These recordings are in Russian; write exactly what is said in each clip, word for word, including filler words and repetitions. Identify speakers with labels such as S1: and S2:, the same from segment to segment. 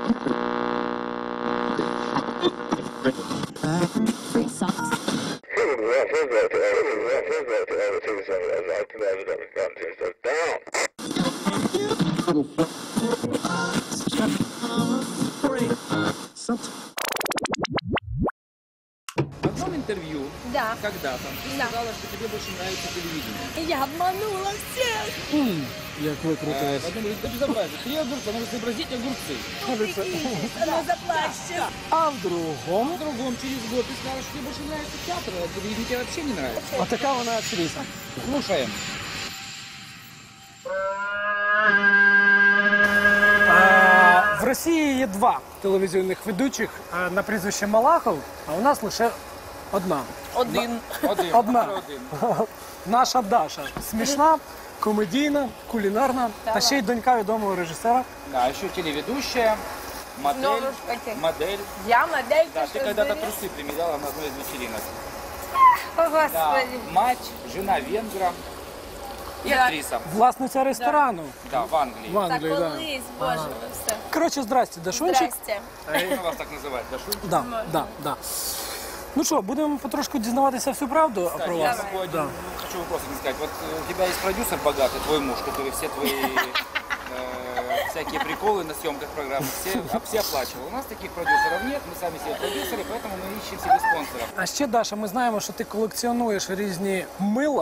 S1: В одном интервью,
S2: Да.
S1: когда-то, ты
S2: Да.
S1: сказала, что тебе больше нравится телевидение.
S2: Я обманула всех.
S3: Як ви
S1: Э,
S3: крутились.
S1: Потом говорит, это безобразие. Три огурца, нужно изобразить огурцы.
S2: Прикиньте, она заплачет.
S3: А в другому,
S1: В другом, через год, ты сказала, что тебе больше нравится театр, а телевидение тебе вообще не нравится.
S3: отака вона актриса.
S1: Слушаем.
S3: А, в Росії є два телевізійних ведучих а, на прізвище Малахов, а у нас лише одна.
S2: Один.
S1: Один.
S3: Одна.
S1: Один.
S3: Наша Даша. Смішна, комедійна, кулінарна, та ще й донька відомого режисера.
S1: Да, еще телеведущая, модель,
S2: Снова ж таки.
S1: модель.
S2: Я модель.
S1: Да, ты
S2: что
S1: когда-то
S2: говоришь?
S1: трусы примеряла на одной из вечеринок.
S2: О,
S1: Да,
S2: Господи.
S1: мать, жена венгра и
S2: Да.
S1: актриса.
S3: Власниця ресторану
S1: Да, в Англии.
S3: в
S2: Так
S3: Англії. Да.
S2: колись, боже ви все.
S3: Коротше, здрасте, Дашунчик.
S2: Здрасте.
S1: Можно вас так называть, да, Шуль?
S3: Да, да, да. Ну що, будемо потрошку дізнаватися всю правду про
S1: Я
S3: вас.
S1: такой
S3: Да.
S1: один, ну, хочу вопрос один сказать. Вот э, у тебя есть продюсер богатый, твой муж, который все твои э, всякие приколы на съемках программы все, а, все оплачивал. У нас таких продюсеров нет, мы сами себе продюсеры, поэтому мы ищем себе спонсоров.
S3: А ще, Даша, ми знаємо, що ти колекціонуєш різні мила.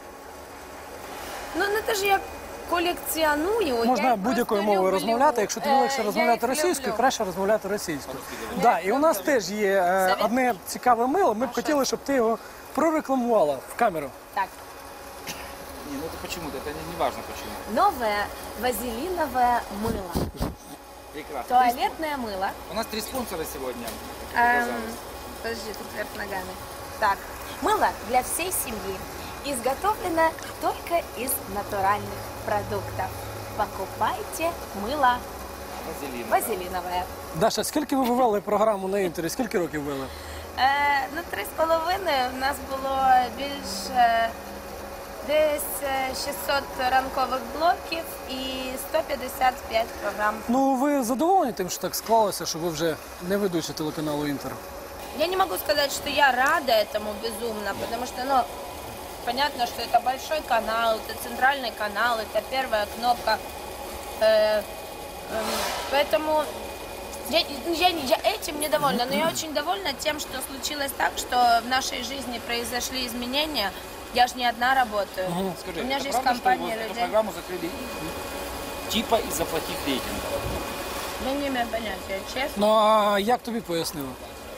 S2: Ну не те ж я колекціоную. я
S3: Можна
S2: їх
S3: будь-якою
S2: просто
S3: мовою
S2: люблю.
S3: розмовляти. Якщо тобі
S2: Е,
S3: легше
S2: я
S3: розмовляти
S2: їх
S3: російською,
S2: люблю.
S3: краще розмовляти російською.
S1: Я
S3: Да, і у нас теж є е,
S2: Совет?
S3: одне цікаве мило. Ми б
S2: А
S3: хотіли, щоб ти його прорекламувала в камеру.
S2: Так.
S1: Не, ну это почему-то, это не, не важно почему.
S2: Новое вазелиновое мыло.
S1: Прекрасно.
S2: Туалетное мыло.
S1: У нас три спонсора сегодня. как
S2: Эм,
S1: оказалось.
S2: подожди, тут вверх ногами. Так, мыло для всей семьи. Изготовлено только из натуральных продуктов. Покупайте мыло
S1: Вазелин.
S2: вазелиновое.
S3: Даша, скільки ви вивели програму на інтері? Скільки років вели?
S2: Е, ну, три з половиною в нас було більше десь е, шістсот ранкових блоків і сто п'ятдесят п'ять програм.
S3: Ну, ви задоволені тим, що так склалося, що ви вже не ведучі телеканалу Інтер?
S2: Я не могу сказать, что я рада этому безумно, потому что, ну, понятно, что это большой канал, это центральный канал, это первая кнопка. Э, эм, поэтому я, я, я этим недовольна, но я очень довольна тем, что случилось так, что в нашей жизни произошли изменения. Я же не одна работаю.
S1: Скажи,
S2: У меня
S1: это
S2: же есть
S1: правда, что
S2: компания
S1: его, эту
S2: людей.
S1: программу закрыли типа из-за плохих рейтингов?
S2: Я не имею понятия, честно.
S3: Ну, а як тобі пояснили?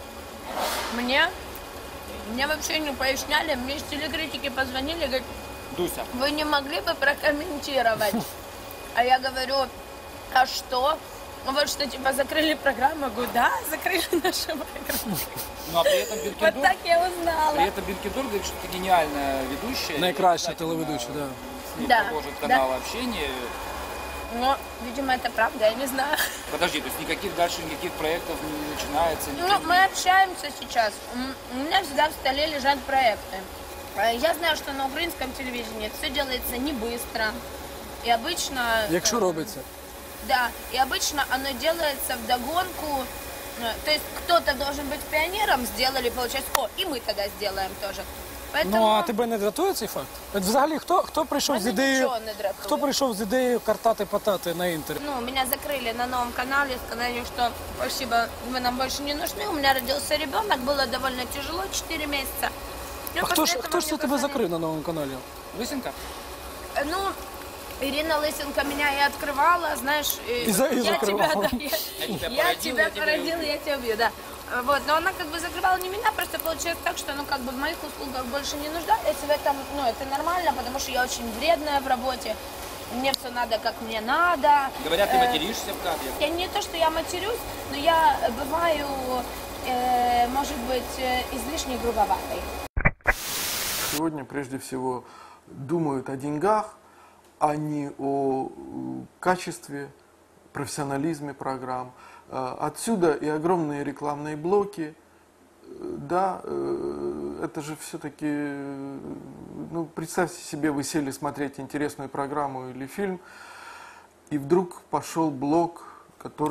S2: Мне, мне вообще не поясняли, мне из телекритики позвонили, говорят,
S1: Дуся,
S2: вы не могли бы прокомментировать? А я говорю, а что? Ну вот что, типа, закрыли программу? Я говорю, да, закрыли нашу программу.
S1: ну а при этом
S2: Вот
S1: Бенкендорф,
S2: так я узнала.
S1: при этом Бенкендорф говорит, что ты гениальная ведущая.
S3: Найкраща
S1: И,
S3: телеведуча, да.
S1: С ней
S2: Да,
S1: продолжит
S2: да.
S1: канал общения.
S2: Но, видимо, это правда, я не знаю.
S1: Подожди, то есть никаких дальше никаких проектов не начинается?
S2: Ну,
S1: никаких-
S2: мы общаемся сейчас. М, У меня всегда в столе лежат проекты. Э, Я знаю, что на украинском телевидении все делается не быстро. И обычно...
S3: Якщо
S2: э,
S3: робиться.
S2: Да, и обычно оно делается вдогонку. Э, То есть кто-то должен быть пионером, сделали, получается, о, и мы тогда сделаем тоже. Поэтому...
S3: Ну, а тебе не дратує цей факт? От взагалі, хто, хто прийшов з
S2: Мене
S3: ідеєю,
S2: нічого не дратує.
S3: хто прийшов з ідеєю картати-патати на Інтері?
S2: Ну, меня закрыли на новом канале, сказали, что спасибо, вы нам больше не нужны. У меня родился ребенок, было довольно тяжело, четыре месяца. Ну,
S3: А хто ж,
S2: после
S3: хто
S2: этого
S3: ж це
S2: мне
S3: тебе
S2: позвонили.
S3: закрив на новому каналі?
S1: Лысенко?
S2: Э, Ну, Ирина Лысенко меня и открывала, знаешь,
S3: И за- и
S2: я тебя,
S3: закрывала.
S2: да, я,
S1: Я тебя
S2: я
S1: породил,
S2: тебя
S1: я тебя
S2: породил,
S1: убью.
S2: я тебя убью, да. Э, Вот, но она как бы закрывала не меня, просто получилось так, что, ну, как бы в моих услугах больше не нуждались в этом, ну, это нормально, потому что я очень вредная в работе, мне все надо, как мне надо.
S1: Говорят, ты
S2: Э,
S1: материшься в кадре.
S2: Я не то, что я матерюсь, но я бываю, э, может быть, э, излишне грубоватой.
S4: Сегодня прежде всего думают о деньгах, а не о э, качестве, профессионализме программ. Э, Отсюда и огромные рекламные блоки. Э, Да, э, это же все-таки, э, ну, представьте себе, вы сели смотреть интересную программу или фильм, и вдруг пошел блок, который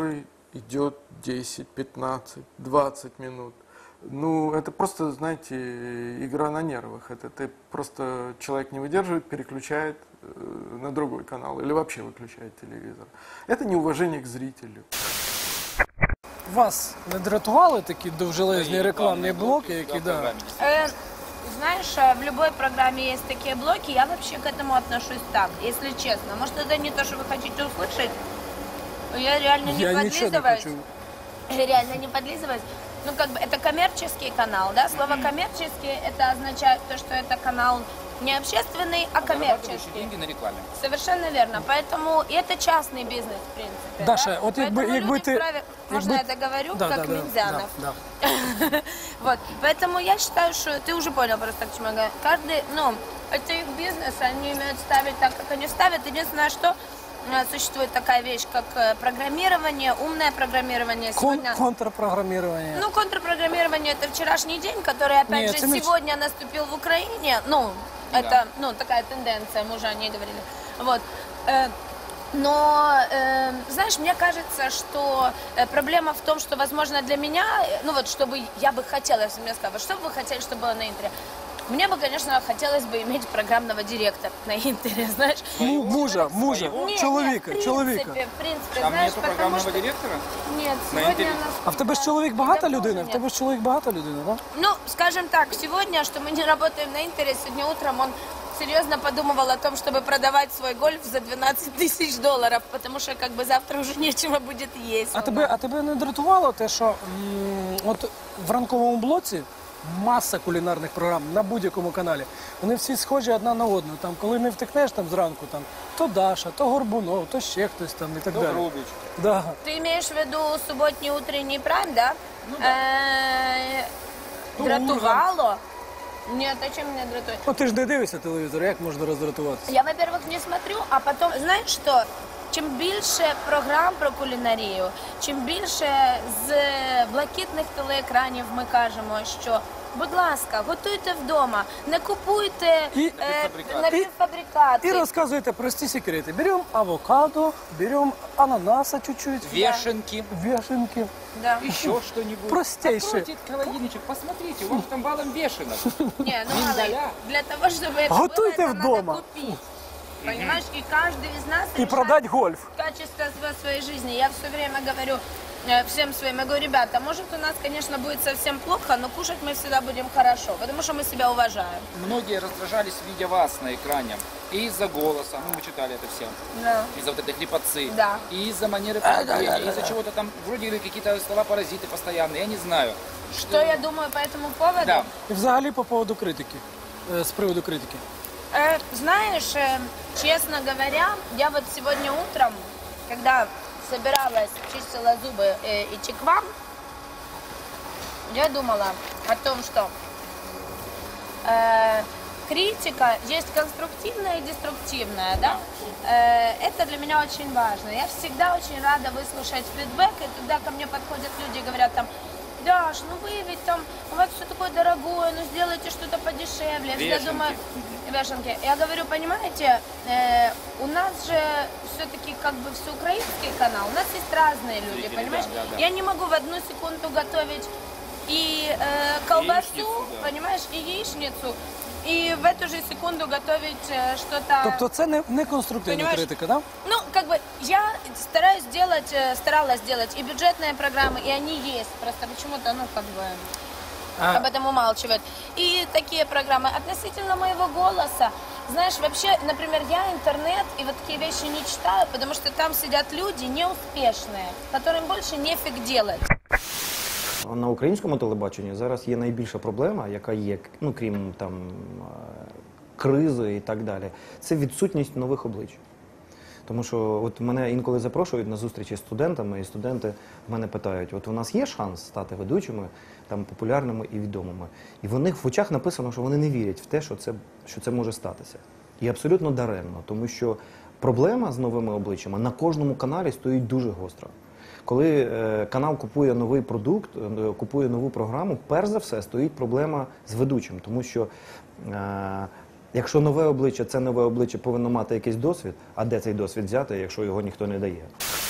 S4: идет десять, пятнадцать, двадцать минут. Ну, это просто, знаете, игра на нервах. Это ты просто человек не выдерживает, переключает э, на другой канал или вообще выключает телевизор. Это неуважение к зрителю.
S3: Вас не дратували такі довжелезні рекламні блоки, які да.
S2: Э, знаешь, э, в любой программе есть такие блоки, я вообще к этому отношусь так, если честно. Может, это не то, что вы хотите услышать, но я реально не
S3: Я нічого не
S2: подлизываюсь.
S3: хочу.
S2: Реально не подлизываюсь. Ну, как бы, это коммерческий канал, да? Слово коммерческий, это означает то, что это канал не общественный, а
S1: Зарабатывающие
S2: коммерческий.
S1: деньги на рекламе.
S2: Совершенно верно. Поэтому и это частный бизнес, в принципе.
S3: Даша,
S2: да?
S3: от якби,
S2: Поэтому
S3: якби
S2: люди
S3: ти...
S2: вправе- Можно
S3: якби-
S2: я договорю,
S3: Да,
S2: как
S3: да, да,
S2: Минзянов?
S3: да, да.
S2: Вот, поэтому я считаю, что ты уже понял просто, к чему я говорю. Каждый, ну, это их бизнес, они умеют ставить так, как они ставят. Единственное, что э, существует такая вещь, как э, программирование, умное программирование.
S3: Кон-
S2: Сегодня...
S3: контрпрограммирование.
S2: Ну, контрпрограммирование – это вчерашний день, который, опять
S3: Нет,
S2: же,
S3: это не-
S2: сегодня наступил в Украине. Ну, это, ну, такая тенденция, мы уже о ней говорили. Вот. Э, Но, э, знаешь, мне кажется, что э, проблема в том, что, возможно, для меня, э, ну вот, чтобы я бы хотела, я всем сказала, что бы вы хотели, чтобы было на Интере? Мне бы, конечно, хотелось бы иметь программного директора на Интере, знаешь.
S3: Ну, мужа, мужа,
S2: Нет,
S3: чоловіка,
S2: нет, в
S3: чоловіка.
S2: принципе, в принципе,
S1: Там
S2: знаешь,
S1: нету
S2: потому
S1: программного
S2: что...
S1: директора?
S2: Нет,
S1: На
S2: сегодня
S1: Интере?
S2: у нас...
S3: А в тебе ж
S2: да,
S3: чоловік багата
S2: давно
S3: людина?
S2: уже
S3: В
S2: нет.
S3: тебе ж чоловік багата людина, так?
S2: Ну, скажем так, сегодня, что мы не работаем на Интере, сегодня утром он серьезно подумывал о том, чтобы продавать свой гольф за двенадцать тысяч долларов, потому что как бы завтра уже нечего будет есть.
S3: А тебе, а тебе не дратувало те, що м, от в ранковому блоці маса кулінарних програм на будь-якому каналі. Вони всі схожі одна на одну. Там, коли не втекнеш там зранку, там то Даша, то Горбунов, то ще хтось там і так далі.
S1: Добрубич.
S3: Да.
S2: Ты имеешь в виду субботний утренний прайм, да?
S1: Ну
S2: Э,
S3: Ну,
S2: Дратувало? Нет, а чем меня дратует?
S3: Ну ти ж не дивишся телевізор, як можна роздратуватися?
S2: Я, во-первых, не смотрю, а потом, знаешь что? Чим більше програм про кулінарію, чим більше з блакитних телеекранів ми кажемо, що, будь ласка, готуйте вдома, не купуйте
S3: І-
S2: е,
S1: Напівфабрикати.
S2: напівфабрикати.
S3: І розказуєте прості секрети. Беремо авокадо, беремо ананаса чуть-чуть,
S1: Вешенки.
S3: вішенки.
S2: Да.
S1: Еще что-нибудь.
S3: Простейшие.
S1: Откройте этот холодильничек, посмотрите, у вас там валом вешенок.
S2: Не, ну мало,
S1: Миндаля.
S2: для того, чтобы это
S3: Готуйте
S2: было, это
S3: вдома.
S2: надо купить. Понимаешь, и каждый из нас
S3: І
S2: решает
S3: продать гольф.
S2: качество сво- своей жизни. Я все время говорю э, всем своим, я говорю, ребята, может у нас, конечно, будет совсем плохо, но кушать мы всегда будем хорошо, потому что мы себя уважаем.
S1: Многие раздражались, видя вас на экране. И из-за голоса, ну мы читали это все,
S2: Да.
S1: из-за вот этой хрипотцы,
S2: Да.
S1: и из-за манеры поведения, и из-за чего-то там, вроде говорили, какие-то слова-паразиты постоянные, я не знаю.
S2: Что я думаю по этому поводу?
S1: Да.
S3: І взагалі по поводу критики. Е, З приводу критики.
S2: Э, знаешь, э, честно говоря, я вот сегодня утром, когда собиралась, чистила зубы э, идти к вам, я думала о том, что э, критика есть конструктивная и деструктивная, да? Э, это для меня очень важно. Я всегда очень рада выслушать фидбэк, и когда ко мне подходят люди и говорят там, Даш, ну вы ведь там, у вас все такое дорогое, ну сделайте что-то подешевле. Я всегда
S1: Вешенки.
S2: думаю, вешенки. Я говорю, понимаете, э, у нас же все-таки как бы всеукраинский канал, у нас есть разные люди,
S1: Зрители,
S2: понимаешь?
S1: да, да, да.
S2: Я не могу в одну секунду готовить и э, колбасу,
S1: Яичницу, да.
S2: понимаешь, и яичницу, и в эту же секунду готовить э, что-то...
S3: Тобто це не, не конструктивна
S2: Понимаєш?
S3: критика, так? Да?
S2: Ну, как бы, я стараюсь делать, э, старалась делать и бюджетные программы, и они есть, просто почему-то, ну, как бы... об этом умалчивают. И такие программы. Относительно моего голоса, знаешь, вообще, например, я интернет и вот такие вещи не читаю, потому что там сидят люди неуспешные, которым больше нефиг делать.
S5: На українському телебаченні зараз є найбільша проблема, яка є, ну крім там е, кризи і так далі. Це відсутність нових облич. Тому що от мене інколи запрошують на зустрічі з студентами, і студенти в мене питають: от у нас є шанс стати ведучими, там популярними і відомими. І в них в очах написано, що вони не вірять в те, що це, що це може статися. І абсолютно даремно, тому що проблема з новими обличчями на кожному каналі стоїть дуже гостро. Коли е, канал купує новий продукт, е, купує нову програму, перш за все стоїть проблема з ведучим, тому що е, якщо нове обличчя, це нове обличчя повинно мати якийсь досвід, а де цей досвід взяти, якщо його ніхто не дає?